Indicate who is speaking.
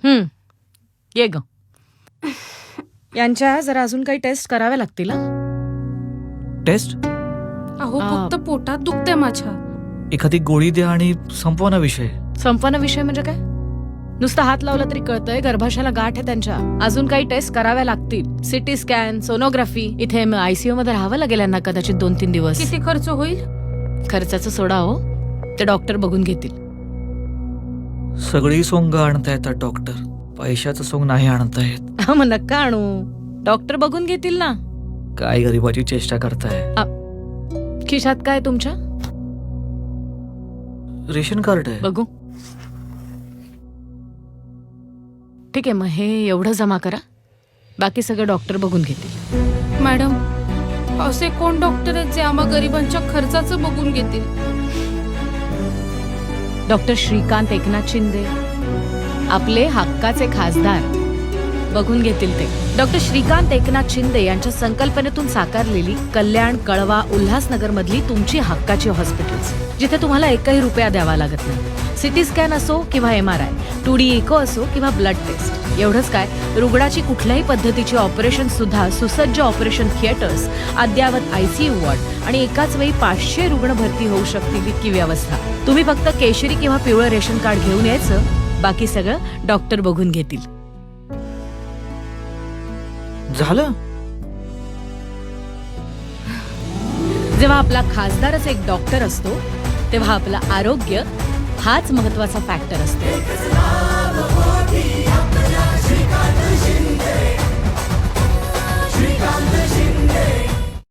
Speaker 1: ये ग. यांच्या जरा अजून काही टेस्ट कराव्या लागतील.
Speaker 2: टेस्ट?
Speaker 3: अहो फक्त पोटात दुखते माझ्या.
Speaker 2: एखादी गोळी द्या आणि संपवा ना विषय.
Speaker 1: संपन्न विषय म्हणजे काय? नुसतं हात लावला तरी कळतंय गर्भाशयाला गाठ आहे त्यांच्या. अजून काही टेस्ट कराव्या लागतील. CT scan, sonography. इथे ICU मध्ये राहावं लागेल यांना कदाचित 2-3 दिवस.
Speaker 3: किती खर्च होईल?
Speaker 1: खर्चाचं सोडा हो, ते डॉक्टर बघून घेतील.
Speaker 2: सगळी सोंग आणता येतात डॉक्टर, पैशाचं सोंग नाही आणता येत.
Speaker 1: मग नका आणू, डॉक्टर बघून घेतील ना.
Speaker 2: काय गरीबाची चेष्टा करताय.
Speaker 1: खिशात काय तुमच्या?
Speaker 2: रेशन कार्ड आहे.
Speaker 1: बघू. ठीक आहे, मग हे एवढं जमा करा, बाकी सगळं डॉक्टर बघून घेतील.
Speaker 3: मॅडम, असे कोण डॉक्टर आहेत जे आम्हा गरिबांच्या खर्चाचं बघून घेतील?
Speaker 1: डॉक्टर श्रीकांत एकनाथ शिंदे, आपले हक्काचे खासदार, बघून घेतील ते. डॉक्टर श्रीकांत एकनाथ शिंदे यांच्या संकल्पनेतून साकारलेली कल्याण, कळवा, उल्हासनगर मधली तुमची हक्काची हॉस्पिटल्स, जिथे तुम्हाला एकही रुपया द्यावा लागत नाही. सिटी स्कॅन असो किंवा MRI, 2D इको असो किंवा ब्लड टेस्ट. एवढंच काय, रुग्णाची कुठल्याही पद्धतीची ऑपरेशन सुद्धा सुसज्ज ऑपरेशन थिएटर्स, अद्ययावत ICU वॉर्ड आणि एकाच वेळी 500 रुग्ण भरती होऊ शकतील इतकी व्यवस्था. तुम्ही फक्त केशरी किंवा पिवळं रेशन कार्ड घेऊन यायचं, बाकी सगळं डॉक्टर बघून घेतील.
Speaker 2: झालं.
Speaker 1: जेव्हा आपला खासदारच एक डॉक्टर असतो, तेव्हा आपलं आरोग्य हाच महत्वाचा फॅक्टर असतो.